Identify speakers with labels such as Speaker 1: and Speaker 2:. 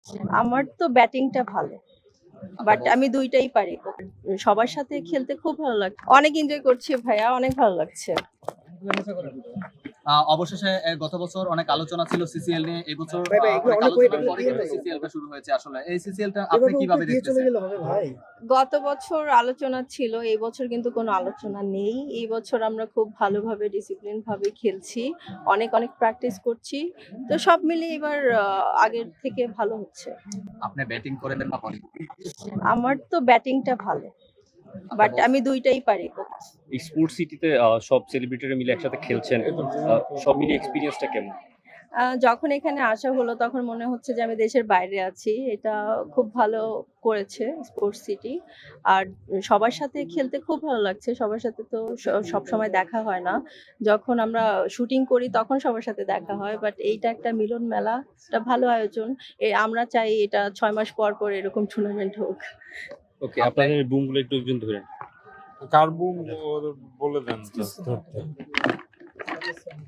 Speaker 1: আমার তো ব্যাটিংটা ভালো। বাট আমি ২ টাই পারি। সবার সাথে খেলতে খুব ভালো লাগছে। অনেক এনজয় করছি ভাইয়া, অনেক ভালো লাগছে।
Speaker 2: অবশেষে গত বছর অনেক আলোচনা ছিল সিসিএল নিয়ে, এবছর
Speaker 3: ভাই ভাই এগুলো
Speaker 2: অনেক
Speaker 3: অনেক ওয়েট
Speaker 2: আলোচনার পরে কিন্তু সিসিএল টা শুরু হয়েছে। আসলে এই সিসিএল টা আপনি কিভাবে
Speaker 3: দিয়ে চলে
Speaker 2: দেখতেছেন?
Speaker 3: গেলে হবে ভাই।
Speaker 1: গত বছর আলোচনা ছিল, এই বছর কিন্তু কোনো আলোচনা নেই। এই বছর আমরা খুব ভালোভাবে ডিসিপ্লিন ভাবে খেলছি। অনেক প্র্যাকটিস করছি। তো সব মিলিয়ে এবার আগের থেকে ভালো হচ্ছে।
Speaker 2: আপনি ব্যাটিং করেন না করেন?
Speaker 1: আমার তো ব্যাটিংটা ভালো। বাট আমি ২ টাই পারি।
Speaker 4: এই স্পোর্টস সিটিতে সব সেলিব্রিটিরা মিলে একসাথে খেলছেন। সব মিলিয়ে এক্সপেরিয়েন্সটা কেমন?
Speaker 1: যখন এখানে আসা হলো তখন মনে হচ্ছে যে আমি দেশের বাইরে আছি। এটা খুব ভালো করেছে স্পোর্টস সিটি। আর সবার সাথে খেলতে খুব ভালো লাগছে। সবার সাথে তো সবসময় দেখা হয় না। যখন আমরা শুটিং করি তখন সবার সাথে দেখা হয়। বাট এইটা একটা মিলন মেলা, একটা ভালো আয়োজন। আমরা চাই এটা ৬ মাস পর এরকম টুর্নামেন্ট হোক।
Speaker 4: ওকে, আপনাদের বুমগুলো একটু ধরেন।
Speaker 5: কার বুম বলে দেন just ধরতে।